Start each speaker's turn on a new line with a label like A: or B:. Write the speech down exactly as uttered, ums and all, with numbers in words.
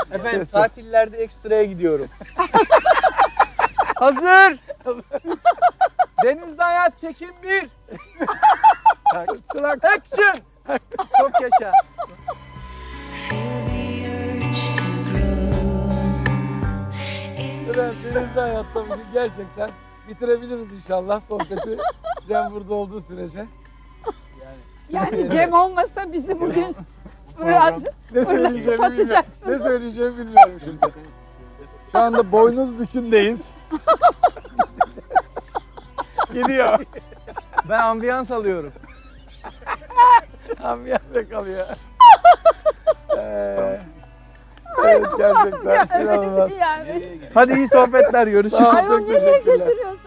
A: Efendim tatillerde ekstraya gidiyorum. Hazır. Denizde hayat çekim bir. Çılak action. Çok yaşa.
B: Denizde hayatta bugün gerçekten bitirebiliriz inşallah sohbeti. Cem burada olduğu sürece.
C: Yani Cem olmasa bizi bugün Fırat
B: Ne söyleyeceğimi bilmiyorum. Ne
C: atacaksınız.
B: söyleyeceğimi bilmiyorum şimdi. Şu anda boynuz bükündeyiz. Gidiyor.
A: Ben ambiyans alıyorum.
B: Ambiyans kalıyor. Ee, evet gerçekten inanılmaz.
C: Yani.
A: Hadi iyi sohbetler. Görüşürüz.
B: Sağ ol,
C: Ayol
B: çok
C: nereye
B: teşekkürler.
C: götürüyorsun?